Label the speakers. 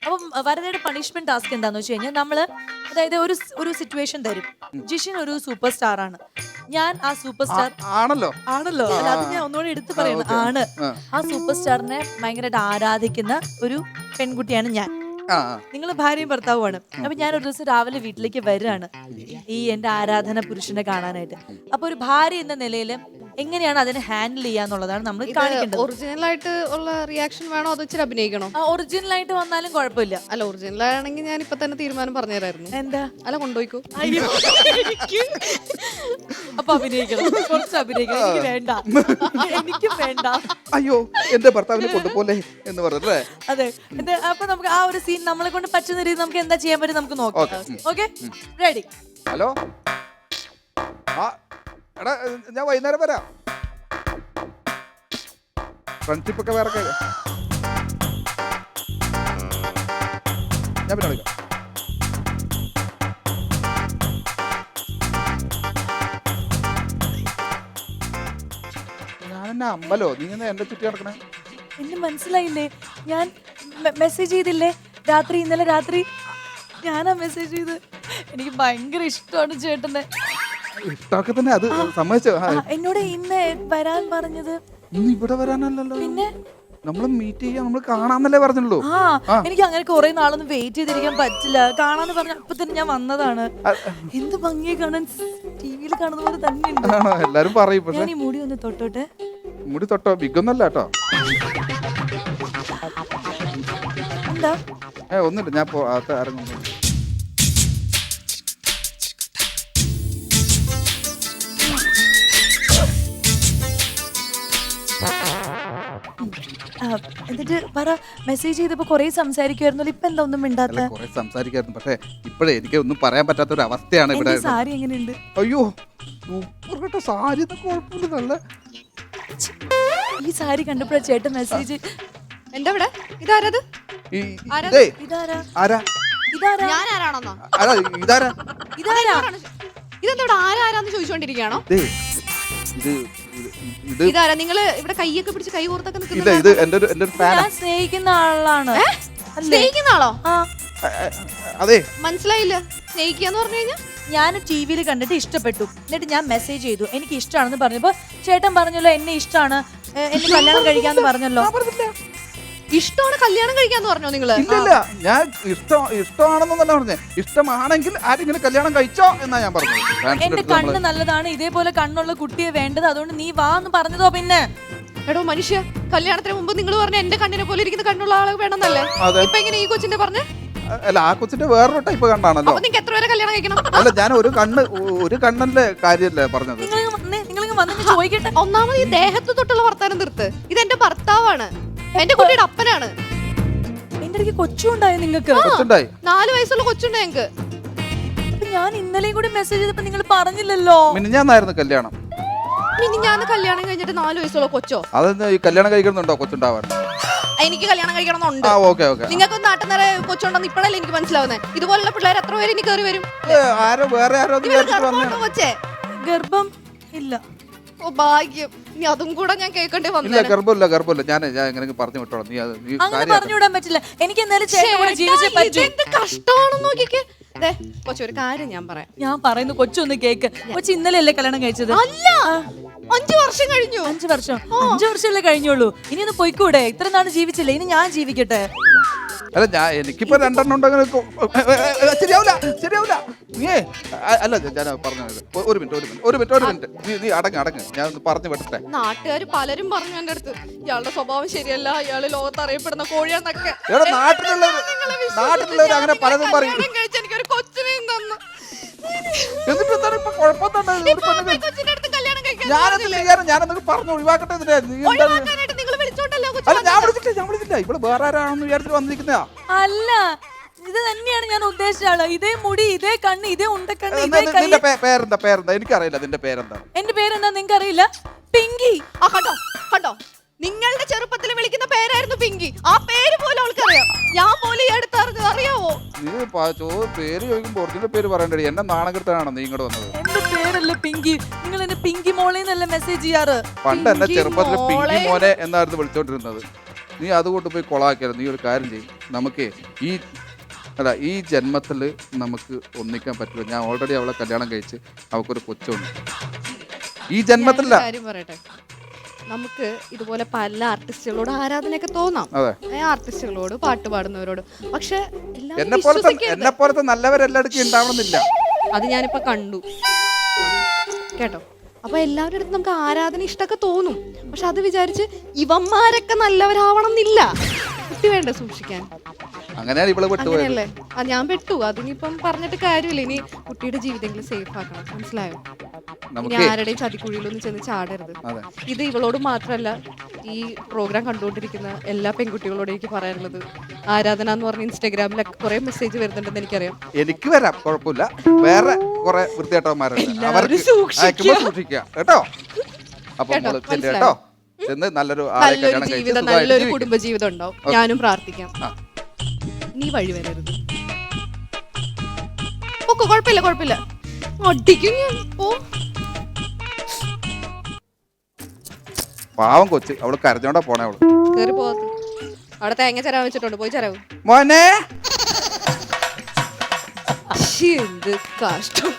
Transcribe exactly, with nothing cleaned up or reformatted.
Speaker 1: അപ്പം വരദയുടെ punishment task എന്താന്ന് വെച്ച് കഴിഞ്ഞാൽ നമ്മള് അതായത് ഒരു ഒരു സിറ്റുവേഷൻ തരും. ജിഷിൻ ഒരു സൂപ്പർ സ്റ്റാർ ആണ്, ഞാൻ ആ സൂപ്പർ സ്റ്റാർ
Speaker 2: ആണല്ലോ
Speaker 1: ആണല്ലോ അല്ല, അത് ഞാൻ ഒന്നുകൂടി എടുത്തു പറയുന്നത് ആണ്. ആ സൂപ്പർ സ്റ്റാറിനെ ഭയങ്കരമായിട്ട് ആരാധിക്കുന്ന ഒരു പെൺകുട്ടിയാണ് ഞാൻ. നിങ്ങൾ ഭാര്യയും ഭർത്താവുമാണ്. അപ്പൊ ഞാൻ ഒരു ദിവസം രാവിലെ വീട്ടിലേക്ക് വരികയാണ് ഈ എന്റെ ആരാധന പുരുഷനെ കാണാനായിട്ട്. അപ്പൊ ഒരു ഭാര്യ എന്ന നിലയിൽ എങ്ങനെയാണ് അതിനെ ഹാൻഡിൽ ചെയ്യാന്നുള്ളതാണ് നമ്മൾ കാണിക്കേണ്ടത്.
Speaker 3: ഒറിജിനൽ ആയിട്ട് ഉള്ള റിയാക്ഷൻ വേണോ അതോ ഇച്ചിരി അഭിനയിക്കണോ?
Speaker 1: ഒറിജിനൽ ആയിട്ട് വന്നാലും കുഴപ്പമില്ല.
Speaker 3: അല്ല ഒറിജിനൽ ആണെങ്കിൽ ഞാൻ ഇപ്പൊ തന്നെ തീരുമാനം പറഞ്ഞുതരായിരുന്നു.
Speaker 1: എന്താ?
Speaker 3: അല്ല കൊണ്ടുപോയിക്കോ.
Speaker 1: അപ്പൊ അഭിനയിക്കണം, കുറച്ച് അഭിനയിക്കണം. എനിക്ക് വേണ്ട, എനിക്ക് വേണ്ട.
Speaker 2: അയ്യോ എന്റെ ഭർത്താവിനെ കൊണ്ടുപോലെ എന്ന് പറഞ്ഞല്ലേ?
Speaker 1: അതെ. അപ്പൊ നമുക്ക് ആ ഒരു സീൻ നമ്മളെ കൊണ്ട് പറ്റുന്ന രീതി നമുക്ക് എന്താ ചെയ്യാൻ പറ്റും നമുക്ക് നോക്കാം. Okay, ready?
Speaker 2: ഹലോ, ആ എടാ ഞാൻ വൈകുന്നേരം വരാം. ഫ്രണ്ട്ഷിപ്പ് ഒക്കെ വേറെ ഞാൻ പിന്നെ വിളിക്കാം. ഞാനെന്നെ അമ്പലോ നീ എന്നെ എന്റെ ചുറ്റി നടക്കണേ?
Speaker 1: എന്നെ മനസ്സിലായില്ലേ? ഞാൻ മെസ്സേജ് ചെയ്തില്ലേ രാത്രി, ഇന്നലെ രാത്രി ഞാനാ മെസ്സേജ് ചെയ്ത്. എനിക്ക് ഭയങ്കര ഇഷ്ടമാണ് ചേട്ടനെ.
Speaker 2: ഇഷ്ടമൊക്കെ തന്നെ, അത് സമ്മതിച്ചോ?
Speaker 1: എന്നോട് ഇന്ന് വരാൻ പറഞ്ഞത്.
Speaker 2: ഇന്ന് ഇവിടെ വരാനല്ലല്ലോ,
Speaker 1: പിന്നെ
Speaker 2: നമ്മള് മീറ്റ് ചെയ്യാൻ, നമ്മള് കാണാന്നല്ലേ പറഞ്ഞുള്ളൂ.
Speaker 1: ആ എനിക്ക് അങ്ങനെ കുറെ നാളൊന്നും വെയിറ്റ് ചെയ്തിരിക്കാൻ പറ്റില്ല. കാണാന്ന് പറഞ്ഞ അപ്പൊ തന്നെ ഞാൻ വന്നതാണ്. എന്ത് ഭംഗിയെ കാണാൻ, ടിവിയിൽ കാണുന്ന പോലെ തന്നെ ഉണ്ട്.
Speaker 2: എല്ലാരും പറയും.
Speaker 1: ഞാൻ ഈ മുടി ഒന്ന് തൊട്ടോട്ടെ.
Speaker 2: മുടി തൊട്ടോ? ബിഗൊന്നല്ല കേട്ടോ.
Speaker 1: എന്താ?
Speaker 2: ഏ ഒന്നുമില്ല, ഞാൻ ഇറങ്ങുന്നു.
Speaker 1: എന്നിട്ട് പറ, മെസ്സേജ് ചെയ്തപ്പോ കൊറേ സംസാരിക്കുമായിരുന്നു, ഇപ്പൊ എന്താ ഒന്നും മിണ്ടാത്ത?
Speaker 2: കൊറേ സംസാരിക്കായിരുന്നു, പക്ഷെ ഇപ്പഴേ എനിക്ക് ഒന്നും പറയാൻ പറ്റാത്ത ഒരു അവസ്ഥയാണ് ഇവിടെ.
Speaker 1: സാരി എങ്ങനെയുണ്ട്?
Speaker 2: അയ്യോ സൂപ്പർ കേട്ടോ സാരി, കുഴപ്പമില്ല, നല്ല.
Speaker 1: ഈ സാരി കണ്ടപ്പോഴാ ചേട്ടൻ മെസ്സേജ്.
Speaker 3: എന്താ ഇവിടെ? ഇതാരത്?
Speaker 1: ഇതാരാ?
Speaker 2: ആരാ?
Speaker 1: ഇതാരാ?
Speaker 3: ഞാൻ ആരാണെന്നോ?
Speaker 2: ഇതാരാ?
Speaker 1: ഇതാരാ?
Speaker 3: ഇതെന്തോടെ ആരാരാന്ന് ചോദിച്ചോണ്ടിരിക്കുകയാണോ? ഇതാരാ? നിങ്ങള് ഇവിടെ കൈയൊക്കെ പിടിച്ച് കൈ കോർത്തൊക്കെ
Speaker 1: ഞാൻ സ്നേഹിക്കുന്ന ആളാണ്.
Speaker 3: സ്നേഹിക്കുന്ന ആളോ?
Speaker 2: അതെ,
Speaker 3: മനസ്സിലായില്ല. സ്നേഹിക്കാന്ന് പറഞ്ഞു കഴിഞ്ഞാൽ
Speaker 1: ഞാൻ ടി വിയിൽ കണ്ടിട്ട് ഇഷ്ടപ്പെട്ടു, എന്നിട്ട് ഞാൻ മെസ്സേജ് ചെയ്തു എനിക്ക് ഇഷ്ടമാണെന്ന് പറഞ്ഞപ്പോ ചേട്ടൻ പറഞ്ഞല്ലോ എന്നെ ഇഷ്ടമാണ്, എന്നെ കല്യാണം കഴിക്കാന്ന് പറഞ്ഞല്ലോ.
Speaker 3: ഇഷ്ടമാണ് കല്യാണം കഴിക്കാന്ന് പറഞ്ഞോ നിങ്ങള്?
Speaker 2: ഇല്ല, ഞാൻ ഇഷ്ടം ഇഷ്ടമാണെന്നല്ല പറഞ്ഞേ, ഇഷ്ടമാണെങ്കിൽ ആരെങ്കിലും കല്യാണം കഴിച്ചോ എന്നാ ഞാൻ പറഞ്ഞത്.
Speaker 1: എന്റെ കണ്ണ് നല്ലതാണ്, ഇതേപോലെ കണ്ണുള്ള കുട്ടിയെ വേണ്ടത്, അതുകൊണ്ട് നീ വാ എന്ന് പറഞ്ഞതോ. പിന്നെ
Speaker 3: എടോ മനുഷ്യ, കല്യാണത്തിന് മുമ്പ് നിങ്ങൾ പറഞ്ഞ എന്റെ കണ്ണിനെ പോലെ ഇരിക്കുന്ന കണ്ണുള്ള ആളെ വേണമെന്നല്ലേ? ഇപ്പൊ എങ്ങനെ ഈ കൊച്ചിന്റെ പറഞ്ഞേ?
Speaker 2: അല്ല, ആ കൊച്ചിന്റെ വേറൊരു ടൈപ്പ് കണ്ണാണല്ലോ.
Speaker 3: നിങ്ങൾക്ക് എത്ര പേരെ കല്യാണം കഴിക്കണം?
Speaker 2: അല്ല, ഞാൻ ഒരു കണ്ണ് ഒരു കണ്ണിന്റെ കാര്യല്ലേ പറഞ്ഞത്.
Speaker 1: ചോദിക്കട്ടെ,
Speaker 3: ഒന്നാമത് ഈ ദേഹത്ത് തൊട്ടുള്ള വർത്താനം തീർത്ത്. ഇത് എന്റെ ഭർത്താവാണ്, എന്റെ കുട്ടിയുടെ അപ്പനാണ്.
Speaker 1: എന്റെ ഇടയ്ക്ക് കൊച്ചുണ്ടായോ നിങ്ങൾക്ക്?
Speaker 3: നാല് വയസ്സുള്ള കൊച്ചുണ്ട് ഞങ്ങക്ക്.
Speaker 1: ഞാൻ ഇന്നലെയും കൂടി മെസ്സേജ് ചെയ്തപ്പോ നിങ്ങൾ പറഞ്ഞില്ലല്ലോ.
Speaker 2: മിനിഞ്ഞാന്നായിരുന്നു കല്യാണം.
Speaker 3: മിനിഞ്ഞാന്ന് കല്യാണം കഴിഞ്ഞിട്ട് നാല് വയസ്സുള്ള കൊച്ചോ?
Speaker 2: അതെന്താ ഈ കല്യാണം കഴിക്കുന്നുണ്ടോ കൊച്ചുണ്ടാവാൻ?
Speaker 3: എനിക്ക് കല്യാണം കഴിക്കണമെന്നുണ്ട്.
Speaker 2: നിങ്ങൾക്ക്
Speaker 3: നാട്ടിൽ നിറയെ കൊച്ചുണ്ടെന്ന് ഇപ്പോഴല്ലേ എനിക്ക് മനസ്സിലാവുന്നത്. ഇതുപോലുള്ള പിള്ളേർ എത്ര പേര് ഇനി കയറി വരും? കൊച്ചേ
Speaker 1: ഗർഭം ഇല്ല.
Speaker 3: ഓ ഭാഗ്യം, ഇനി അതും കൂടെ ഞാൻ കേൾക്കേണ്ടി വന്നു.
Speaker 2: ഗർഭമില്ല, ഗർഭമില്ല. ഞാൻ ഞാൻ എങ്ങനെ പറഞ്ഞു വിട്ടോളാം. നീ
Speaker 1: അങ്ങനെ പറഞ്ഞുവിടാൻ പറ്റില്ല. എനിക്ക് എന്തായാലും ജീവിച്ചേ പറ്റൂ.
Speaker 3: എന്ത് കഷ്ടമാണെന്ന് നോക്കിക്കേ. കൊച്ചു, ഒരു കാര്യം ഞാൻ പറയാം.
Speaker 1: ഞാൻ പറയുന്നു, കൊച്ചൊന്ന് കേക്ക്. കൊച്ചു ഇന്നലെ അല്ലേ കല്യാണം കഴിച്ചത്?
Speaker 3: അല്ല, അഞ്ചു വർഷം കഴിഞ്ഞു.
Speaker 1: അഞ്ചു വർഷം അഞ്ചു വർഷമല്ലേ കഴിഞ്ഞുള്ളൂ. ഇനി ഒന്ന് പോയിക്കൂടെ? ഇത്ര നാള് ജീവിച്ചില്ലേ, ഇനി ഞാൻ ജീവിക്കട്ടെ.
Speaker 2: അല്ല, ഞാൻ എനിക്കിപ്പോ രണ്ടെണ്ണം ഉണ്ടെങ്കിൽ ശരിയാവില്ല, ശരിയാവില്ല. നീ അല്ല, ഞാൻ പറഞ്ഞത് ഒരു മിനിറ്റ് ഒരു മിനിറ്റ് ഒരു മിനിറ്റ് ഒരു മിനിറ്റ് നീ നീ അടങ്ങ് അടങ്ങ് ഞാൻ ഒന്ന് പറഞ്ഞു വിടട്ടെ.
Speaker 3: നാട്ടുകാർ പലരും പറഞ്ഞു എന്റെ അടുത്ത്, ഇയാളുടെ സ്വഭാവം ശരിയല്ല, ഇയാള് ലോകത്ത് അറിയപ്പെടുന്ന കോഴിയാന്നൊക്കെ.
Speaker 2: നാട്ടിലുള്ളവർ നാട്ടിലുള്ളവർ അങ്ങനെ പലതും പറയും.
Speaker 3: എനിക്കൊരു കൊച്ചിനെയും തന്നു.
Speaker 2: എന്നിട്ട് എന്താണ് ഇപ്പൊ കുഴപ്പമെന്താണ്? ഞാനൊക്കെ പറഞ്ഞു ഒഴിവാക്കട്ടെ. അല്ല, ഞാൻ വിളിച്ചില്ല ഞാൻ വിളിച്ചില്ല ഇവിടെ വേറെ ആരാണെന്ന് വിചാരിച്ചിട്ട് വന്നിരിക്കുന്നതാ.
Speaker 1: അല്ല, ഇത് തന്നെയാണ് ഞാൻ ഉദ്ദേശിച്ച ആള്. ഇതേ മുടി, ഇതേ കണ്ണ്, ഇതേ ഉണ്ടക്കണ്ണ്.
Speaker 2: നിന്റെ പേരെന്താ? പേരെന്താ? എനിക്കറിയില്ല നിന്റെ പേരെന്താ.
Speaker 1: എന്റെ പേരെന്താ നിങ്ങൾക്ക് അറിയില്ല? പിങ്കി.
Speaker 3: ആ കണ്ടോ കണ്ടോ, നിങ്ങളുടെ ചെറുപ്പത്തിൽ വിളിക്കുന്ന പേരായിരുന്നു പിങ്കി. ആ പേര് പോലും അവൾക്കറിയാം, ഞാൻ പോലും ഈ അടുത്തറിഞ്ഞത്. അറിയാവോ?
Speaker 2: നീ പേര് ചോദിക്കുമ്പോ ഒറിജിനൽ പേര് പറയണ്ടേ? എന്നെ നാണകെടുത്താണോ നീ ഇങ്ങോട്ട് വന്നത്?
Speaker 1: എന്റെ പേരല്ല പിങ്കി. നിങ്ങൾ എന്നെ പിങ്കി മോളെ എന്നല്ല മെസ്സേജ് ചെയ്യാറ്.
Speaker 2: പണ്ട് എന്നെ ചെറുപ്പത്തിൽ പിങ്കി മോനെ എന്നായിരുന്നു വിളിച്ചോണ്ടിരുന്നത്. നീ അതുകൊണ്ട് പോയി കൊളാക്കിയാലും നീ ഒരു കാര്യം ചെയ്യും. നമുക്ക് ഈ അല്ല ഈ ജന്മത്തിൽ നമുക്ക് ഒന്നിക്കാൻ പറ്റില്ല. ഞാൻ ഓൾറെഡി അവളെ കല്യാണം കഴിച്ച് അവൾക്കൊരു കൊച്ചുണ്ട്. ഈ ജന്മത്തില്ല.
Speaker 3: കാര്യം പറയട്ടെ, നമുക്ക് ഇതുപോലെ പല ആർട്ടിസ്റ്റുകളോട് ആരാധനയൊക്കെ തോന്നാം, ആർട്ടിസ്റ്റുകളോട്, പാട്ട് പാടുന്നവരോട്. പക്ഷെ
Speaker 2: എന്നെ പോലത്തെ എന്നെ പോലത്തെ നല്ലവരെല്ലായിടത്തും ഉണ്ടാവണമെന്നില്ല.
Speaker 3: അത് ഞാനിപ്പോ കണ്ടു കേട്ടോ. അപ്പൊ എല്ലാവരുടെ അടുത്ത് നമുക്ക് ആരാധന ഇഷ്ടമൊക്കെ തോന്നും. പക്ഷെ അത് വിചാരിച്ച് ഇവന്മാരൊക്കെ നല്ലവരാവണം എന്നില്ല. കുട്ടി വേണ്ട സൂക്ഷിക്കാൻ.
Speaker 2: അങ്ങനെയാണ് ഇവള് വിട്ടുപോയത്.
Speaker 3: അങ്ങനെയല്ലേ? ആ ഞാൻ പെട്ടു. അതിനിപ്പം പറഞ്ഞിട്ട് കാര്യമില്ല. ഇനി കുട്ടിയുടെ ജീവിതങ്ങൾ സേഫ് ആക്കണം. മനസ്സിലായോ? ഇനി ആരുടെയും ചതിക്കുഴിയിലൊന്നും ചെന്ന് ചാടരുത്. ഇത് ഇവളോട് മാത്രമല്ല, ഈ പ്രോഗ്രാം കണ്ടുകൊണ്ടിരിക്കുന്ന എല്ലാ പെൺകുട്ടികളോടും എനിക്ക് പറയാനുള്ളത്, ആരാധന എന്ന് പറഞ്ഞ ഇൻസ്റ്റാഗ്രാമിലൊക്കെ കുറെ മെസ്സേജ് വരുന്നുണ്ടെന്ന് എനിക്കറിയാം. എനിക്ക്
Speaker 2: വരാം, കുഴപ്പമില്ല. വേറെ കുറെ വൃത്തികെട്ടവന്മാരുണ്ട്, അവർക്ക് സൂക്ഷിക്കുക കേട്ടോ. അപ്പൊ കേട്ടോ, നല്ലൊരു
Speaker 3: നല്ലൊരു ജീവിതം, നല്ലൊരു കുടുംബ ജീവിതം ഉണ്ടാവും. ഞാനും പ്രാർത്ഥിക്കാം. നീ വഴി വരരുത്. ഓക്കെ, കുഴപ്പമില്ല കുഴപ്പമില്ല. അടിക്കും ഞാൻ. ഓ
Speaker 2: പാവം കൊച്ച്, അവള് കരഞ്ഞോണ്ടാ പോണേ. അവള്
Speaker 3: കേറി പോകത്ത്. അവിടെ തേങ്ങ ചെരാൻ വെച്ചിട്ടുണ്ട്, പോയി ചെരാവും.
Speaker 2: മോനെ
Speaker 3: എന്ത് കഷ്ടം.